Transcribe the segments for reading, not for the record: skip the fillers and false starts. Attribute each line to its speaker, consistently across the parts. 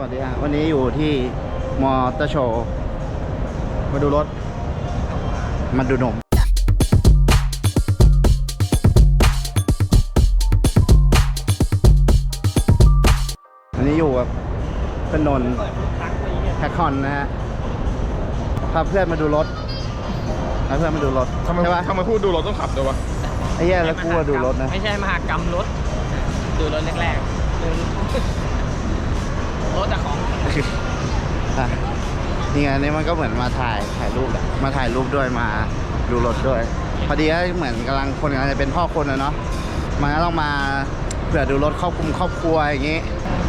Speaker 1: วัสดีครับวันนี้อยู่ที่มอเตอร์โชว์มาดูรถมาดูนมวันนี้อยู่กับเพื่อนนนท์แฮคคอนนะฮะพาเพื่อนมาดูรถพาเพื่อนมาดูรถใช่ปะ
Speaker 2: ทำไมพูดดูรถต้องขับด้วยวะ
Speaker 1: ไอ้เหี้ยแล้วกูดูรถนะ
Speaker 3: ไม่ใช่มหากรรมรถดูรถแรกๆรถแต่ของ
Speaker 1: อ่ะนี่ไงนี่มันก็เหมือนมาถ่ายรูปแหละมาถ่ายรูปด้วยมาดูรถด้วยพอดีก็เหมือนกำลังจะเป็นพ่อคนนะเนาะมันก็ต้องมาเผื่อดูรถครอบครัวอย่างงี้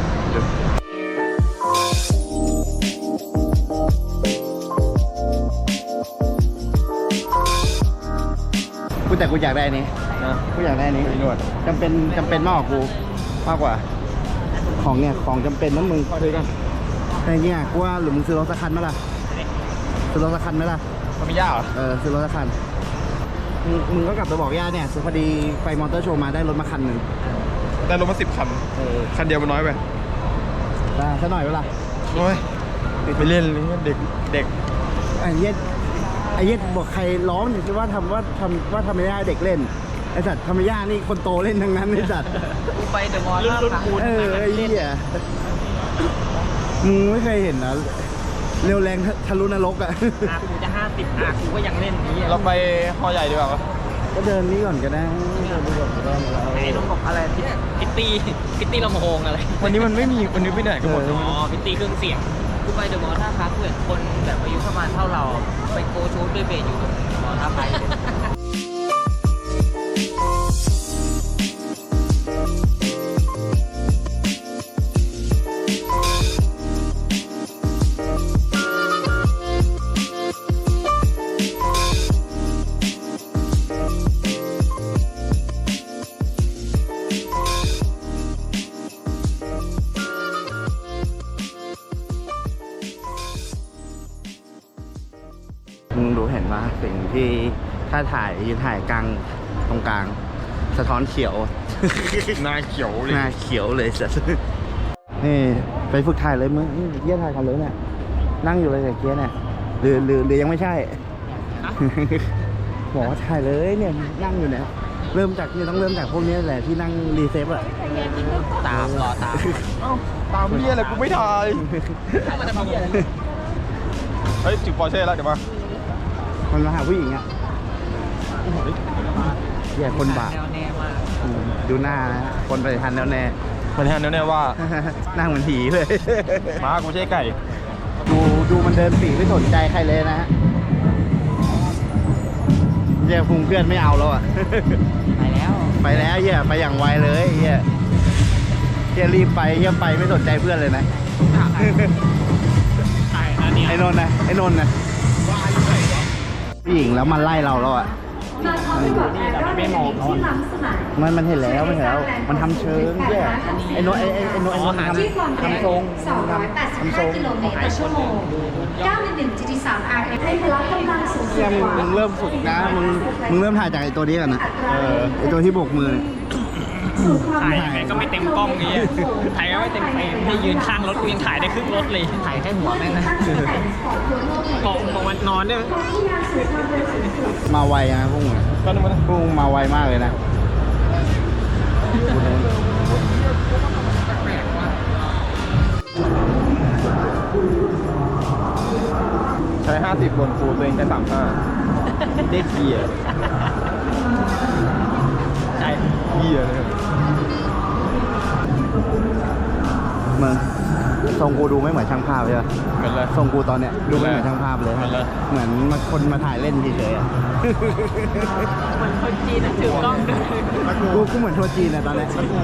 Speaker 1: แต่กูอยากได้นี้กูอยากได้นี้จำเป็นมากกว่ากูมากกว่าของเนี่ยของจำเป็นนั้นมึงซื้อกันแต่เนี่ยกูว่าหรือมึงซื้อรถสักคันไหมล่ะซื้อรถสักคันไหมล่ะ
Speaker 2: มันไม่ยากเหรอ
Speaker 1: ซื้อรถสักคันมึงก็กลับไปบอกย่าเนี่ยพอดีไปมอเตอร์โชว์มาได้รถมาคันหนึ่ง
Speaker 2: ได้รถมา10 คันคันเดียวมันน้อยไป
Speaker 1: ได้ซะหน่อยเวลา
Speaker 2: โอ้ยไปเล่นเด็ก
Speaker 1: ไอ้เย็ดบอกใครร้องอยู่ที่ว่าทำไม่ได้เด็กเล่นไอ้สัตว์ทำไม่ยากนี่คนโตเล่นทั้งนั้นไอ้สัตว์
Speaker 3: กูไปเดอะมอลล์
Speaker 1: ไอ้เหี้ยมึงไม่เคยเห็นนะเร็วแรงทะลุนรกอ่ะ
Speaker 3: กูจะ50กูก็ยังเล่นนี้
Speaker 2: เราไปฮอใหญ่ดีกว่า
Speaker 1: ก็เดินนี้ก่อนก็ได้
Speaker 3: ไอ้ต้องบอกอะไรพิตตี้ลำโพงอะไร
Speaker 2: วันนี้มันไม่มีวันนี้ไปไหนกันหมด
Speaker 3: พิตตี้เครื่องเสียงกูไปเดอะมอลล์ท่าพระกูเห็นคนแบบอายุประมาณเท่าเราไปโกชูดด้วยเบสอยู่เดอะมอลล์ท่าพระ
Speaker 1: มึงดูเห็นไหมสิ่งที่ถ้ายืนถ่ายกลางตรงกลางสะท้อนเขียว
Speaker 2: หน้าเขียวเลย
Speaker 1: หน้าเขียวเลยสัสนี่ไปฝึกถ่ายเลยมึงเยี่ยถ่ายกันเลยเนี่ยนั่งอยู่เลยแต่เกี้ยเนี่ยหรือยังไม่ใช่บอกว่าถ่ายเลยเนี่ยนั่งอยู่เนี่ยต้องเริ่มจากพวกนี้แหละที่นั่งรีเซฟอะ
Speaker 3: ตาม
Speaker 2: ตามพี่อะไรกูไม่ถ่ายเฮ้ยจุดปอร์เช่แล้วเดี๋ยว
Speaker 1: มันมาหาผู้หญิงอ่ะเหี้ยคนบาปดูหน้านะคนปฏิทันแน่แน่
Speaker 2: ว่า
Speaker 1: นั่งเหมือนผีเลย
Speaker 2: ม้ากูไม่ใช่ไก่
Speaker 1: ดูมันเดินปีไม่สนใจใครเลยนะฮะเหี้ยพุงเพื่อนไม่เอาแล้วอ่ะไปแล้วเหี้ยไปอย่างไวเลยเหี้ยรีบไปเหี้ยไปไม่สนใจเพื่อนเลยนะไอ้นนท์นะผู้หญิงแล้วมันไล่เราแล้วอ่ะ
Speaker 3: ไม่มอง
Speaker 1: มันเห็นแล้วมันทำเชิงแย่ไอ้นนท์ทำทรง
Speaker 4: กิโลเมตรต่อชั่วโมง911 GT3 RF ให้พละกำลังสูงสุดกว่า
Speaker 1: มึงเริ่มฝึกนะมึงเริ่มถ่ายจากไอ้ตัวนี้กันนะไอ้ตัวที่โบกมือ
Speaker 3: ถ่ายยังไงก็ไม่เต็มกล้องนี้ถ่ายก็ไม่เต็มเฟรมให้ยืนข้างรถยังถ่ายได้ครึ่งรถเลยถ่ายแค่หัวแม่งนะของมันนอนเนี่ย
Speaker 1: มาไวนะพวกมึงมาไวมากเลยนะ
Speaker 2: ใช้50บนฟูตัวเองใช้35ได้เกียร์
Speaker 3: ใช่
Speaker 2: เกียร์เลย
Speaker 1: มึงทรงกูดูไม่เหมือนช่างภาพเลย
Speaker 2: เหมือนเลย
Speaker 1: ทรงกูตอนเนี้ยดูไม่เหมือนช่างภาพเลยเหมือนคนมาถ่ายเล่นเฉยๆอ่ะ
Speaker 3: เหมือนคนจีนถือกล้อง
Speaker 1: ด้วยกูเหมือนทัวร์จีนอ่ะตอนนี้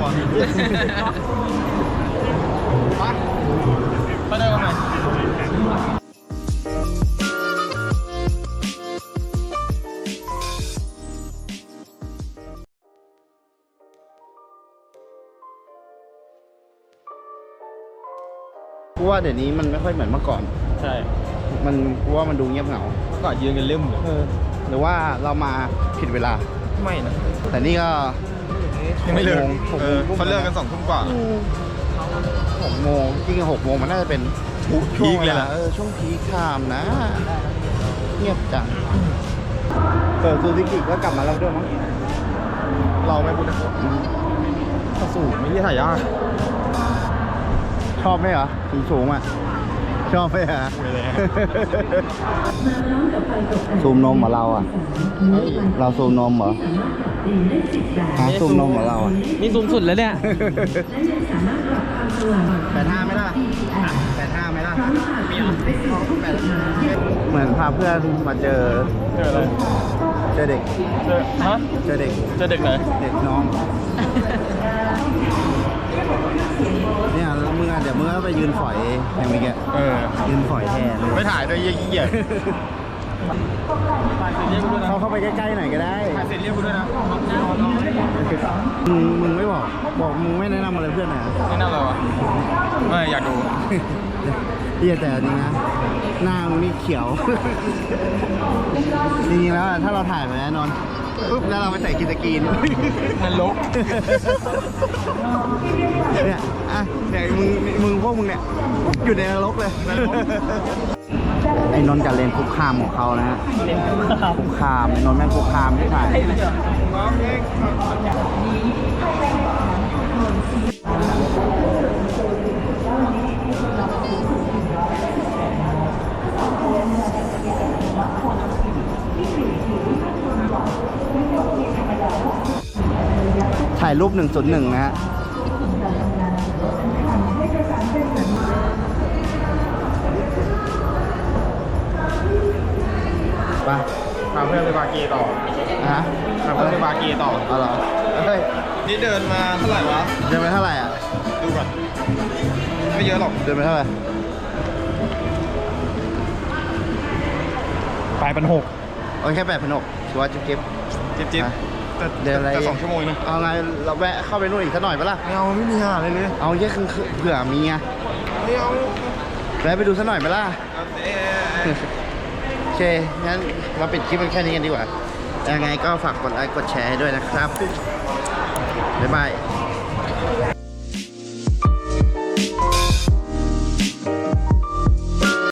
Speaker 2: ไปได้กันไหม
Speaker 1: กูว่าเดี๋ยวนี้มันไม่ค่อยเหมือนเมื่อก่อน
Speaker 2: ใช่
Speaker 1: กูว่ามันดูเงียบเหงา
Speaker 2: เมื่อก่อนยืนกันลืม
Speaker 1: หรือว่าเรามาผิดเวลา
Speaker 2: ไม่นะ
Speaker 1: แต่นี่ก็
Speaker 2: ยังไม่เลิกเขาเลิกกัน2 ทุ่มกว่า
Speaker 1: 6 โมงจริงๆ6 โมงมันน่าจะเป็น
Speaker 2: พีคเลยล่ะ
Speaker 1: ช่วงพีคไทม์นะ เงียบจังซูซูกิก็กลับมาแล้วด้วยมั้ง
Speaker 2: เราไม่พูดนะสูงไม่ใช่ถ่ายยาก
Speaker 1: ชอบไหมเหรอสูงอ่ะ ชอบไหมฮะ
Speaker 2: ไม่เลย
Speaker 1: ซูมนมเหรอเราอ่ะ เราซูมนมเหรอฮะซูมนมเหรอเราอ่ะ
Speaker 3: นี่สูงสุดแล้วเนี่ย
Speaker 1: 85ไหมล่ะ85ไหมล่ะเหมือนพาเพื่อนมาเจอ
Speaker 2: เจออะไร
Speaker 1: เจอเด็ก
Speaker 2: เจอฮะ
Speaker 1: เจอเด็ก
Speaker 2: เจอเด็กไหน
Speaker 1: เด็กน้อง เนี่ยแล้วมึงอ่ะเดี๋ยวมึงก็ไปยืนฝอยอย่างเมื่อกี้
Speaker 2: เออ
Speaker 1: ยืนฝอยแทนเลย
Speaker 2: ไม่ถ่ายด้วยยี่เกียจถ่ายเสร็จเรียกกูด้วยนะ
Speaker 1: เขาเข้าไปใกล้ๆหน่อยก็ได้
Speaker 2: ถ่ายเสร็จเรียกกูด้วยนะ
Speaker 1: มึงไม่บอกมึงไม่แนะนำอะไรเพื่อนนะ
Speaker 2: นี่นั่งอะไรวะไม่อยากดู
Speaker 1: เฮียแต่จริงนะหน้ามึงนี่เขียว จริงๆแล้วอะถ้าเราถ่ายไปแล้วนอนปุ๊บแล้วเราไปใส่กินตะกีน
Speaker 2: นรก
Speaker 1: เนี่ยอ่ะเนี่ยมึงพวกมึงเนี่ยอยู่ในนรกเลย ไอ้นนท์กับเลนคุกคามของเขานะฮะคุกคามไอ้นนท์แม่งคุกคามที่ถ่ายถ่ายรูป 101 นะฮะ ไป
Speaker 2: พาเพื่อนไปบาเกต่อ
Speaker 1: ฮะ
Speaker 2: พาเพื่อนไปบาเกต่อ
Speaker 1: เอาเหรอเฮ้ย
Speaker 2: นี่เดินมาเท่าไหร่วะ
Speaker 1: เดินไปเท่าไหร่อ่ะ
Speaker 2: ดูก่อน ไม่เยอะหรอก
Speaker 1: เดินไปเท่าไหร่
Speaker 2: ปลายเป็น6
Speaker 1: โอเค8,600ถือว่าจิ๊บ
Speaker 2: จิ๊บจิ๊บ
Speaker 1: อ่ะ
Speaker 2: แต่
Speaker 1: เดินอะไร
Speaker 2: แต่2 ชั่วโมงนะ
Speaker 1: เอาไงเราแวะเข้าไปนู่นอีกสักหน่อยปะล่ะ
Speaker 2: ไม่เอาไม่มีหาอะไรเลย
Speaker 1: เอาแค่คือเผื่อมีไง
Speaker 2: ไม่เอา
Speaker 1: แวะไปดูสักหน่อยปะล่ะ
Speaker 2: เอ๊ะ
Speaker 1: โอเค งั้นเราปิดคลิปมันแค่นี้กันดีกว่า ยังไงก็ฝากกดไลค์กดแชร์ให้ด้วยนะครับ บ๊ายบาย